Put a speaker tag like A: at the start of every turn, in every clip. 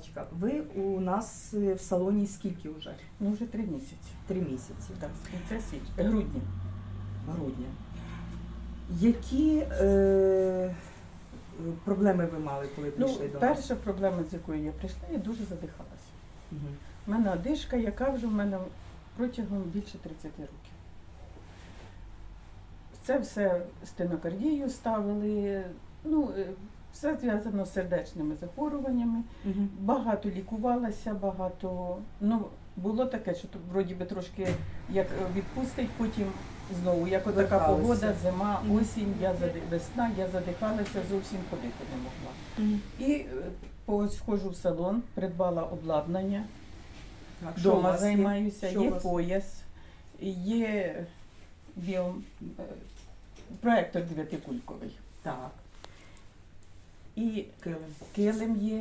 A: Наталочка, ви у нас в салоні скільки вже?
B: Ну, вже 3 місяці.
A: 3 місяці.
B: Так, з кінця грудня.
A: Грудня. Які проблеми ви мали, коли прийшли до нас?
B: Перша проблема, з якою я прийшла, я дуже задихалася.
A: Угу.
B: У мене одишка, яка вже в мене протягом більше 30 років. Це все стенокардію ставили, все зв'язано з сердечними захворюваннями.
A: Угу.
B: Багато лікувалася, багато. Було таке, що вроді би трошки як відпустить, потім знову, як отака
A: Верталися.
B: погода, зима, осінь, весна, я задихалася, зовсім ходити не могла.
A: Угу.
B: І сходжу в салон, придбала обладнання,
A: Так, що у
B: вдома
A: вас є?
B: займаюся,
A: Що у
B: є
A: вас?
B: пояс, є проектор 9-кульковий.
A: Так,
B: І
A: килим.
B: килим є,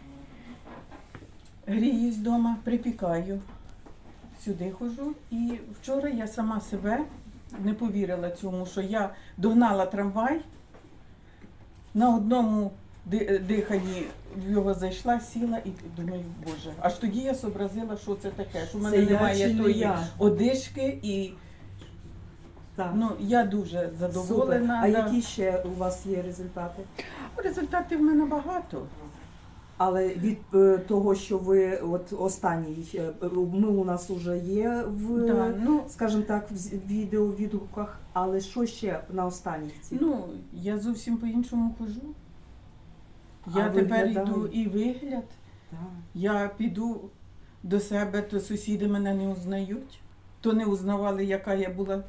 B: гріюсь вдома, припікаю, сюди ходжу. І вчора я сама себе не повірила цьому, що я догнала трамвай, на одному диханні в його зайшла, сіла і думаю, боже. Аж тоді я зобразила, що це таке, що в мене
A: Це я чи
B: немає
A: не
B: тої
A: я?
B: одишки. І
A: Так.
B: я дуже
A: Супер.
B: задоволена.
A: А
B: да.
A: які ще у вас є результати?
B: Результатів в мене багато.
A: Але від того, що ви от останній, ми у нас вже є в,
B: Да,
A: скажімо так, в відеовідгуках, але що ще на останніх цих?
B: Я зовсім по-іншому хожу.
A: А
B: Я тепер
A: виглядає?
B: йду і вигляд.
A: Так.
B: Я піду до себе, то сусіди мене не узнають, то не узнавали, яка я була.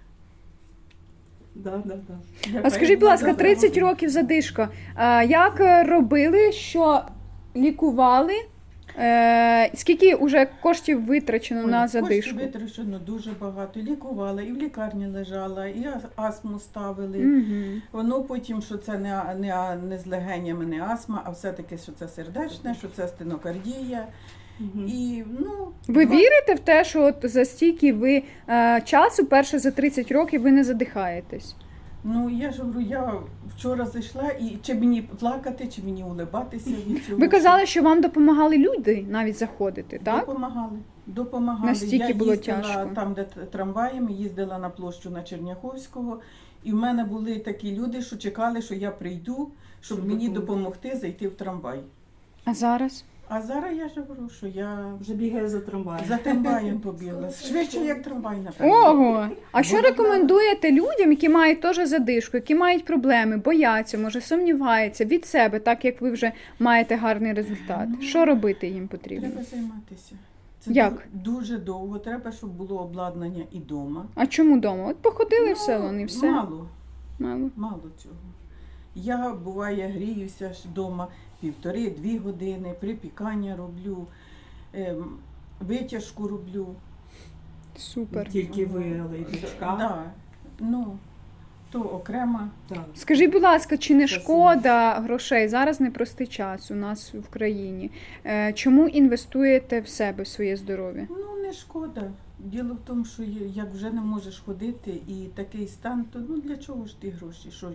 A: Да.
C: А скажіть, будь ласка, 30 років задишка. Як робили, що лікували? Скільки вже коштів витрачено на задишку?
B: Коштів витрачено дуже багато. Лікувала, і в лікарні лежала, і астму ставили.
C: Угу.
B: Воно потім, що це не з легенями, не астма, а все-таки, що це сердечне, що це стенокардія.
A: Угу.
B: І,
C: Ви вірите в те, що от за стільки ви часу, перше за 30 років, ви не задихаєтесь?
B: Я ж говорю, я вчора зайшла, і чи мені плакати, чи мені улибатися від цього.
C: Ви казали, що вам допомагали люди навіть заходити, так?
B: Допомагали.
C: Настільки
B: я
C: було
B: їздила
C: тяжко.
B: там, де трамваєм, їздила на площу на Черняховського, і в мене були такі люди, що чекали, що я прийду, щоб мені допомогти зайти в трамвай.
C: А зараз?
B: А зараз я ж говорю, що я
A: Вже бігає за трамваєм.
B: за трамваєм побігла. Швидше, як трамвай, напевно.
C: Ого! А що рекомендуєте людям, які мають теж задишку, які мають проблеми, бояться, може сумніваються від себе, так як ви вже маєте гарний результат? Що робити їм потрібно?
B: Треба займатися. Це
C: Як?
B: дуже довго. Треба, щоб було обладнання і вдома.
C: А чому вдома? От походили в салон і все.
B: Мало.
C: Мало.
B: Цього. Я, буває, гріюся ж вдома 1,5-2 години, припікання роблю, витяжку роблю.
C: Супер.
A: Тільки ви, але й дочка.
B: Да. То окремо.
A: Так.
C: Скажіть, будь ласка, чи не
A: Спасибо.
C: шкода грошей? Зараз непростий час у нас в країні. Чому інвестуєте в себе, в своє здоров'я?
B: Не шкода. Діло в тому, що як вже не можеш ходити і такий стан, то для чого ж ті гроші? Що?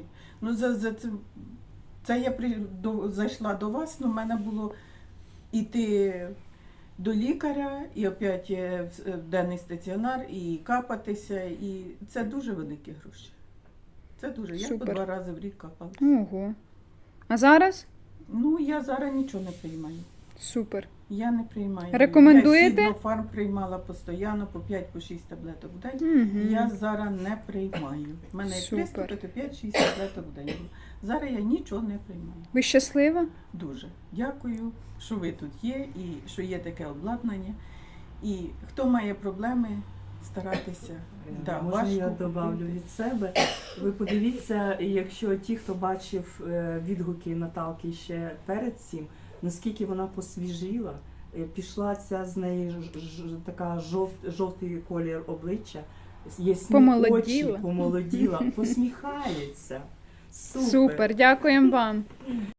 B: Це я зайшла до вас, в мене було йти до лікаря, і опять в денний стаціонар, і капатися, і це дуже великі гроші. Це дуже. Я по
C: Супер.
B: 2 рази в рік капала.
C: Ого. А зараз?
B: Я зараз нічого не приймаю.
C: Супер.
B: Я не приймаю.
C: Рекомендуєте?
B: Я Сіднофарм приймала постійно по 5-6 таблеток в день.
C: Угу.
B: Я зараз не приймаю. У мене як
C: Супер.
B: приступи, то 5-6 таблеток в день. Зараз я нічого не приймаю.
C: Ви щаслива?
B: Дуже дякую, що ви тут є і що є таке обладнання. І хто має проблеми, старатися.
A: Можна я добавлю від себе? Ви подивіться, якщо ті, хто бачив відгуки Наталки ще перед цим, наскільки вона посвіжіла, пішла ця з неї така жовтий колір обличчя, ясні очі, помолоділа, посміхається.
C: Супер, дякуємо вам.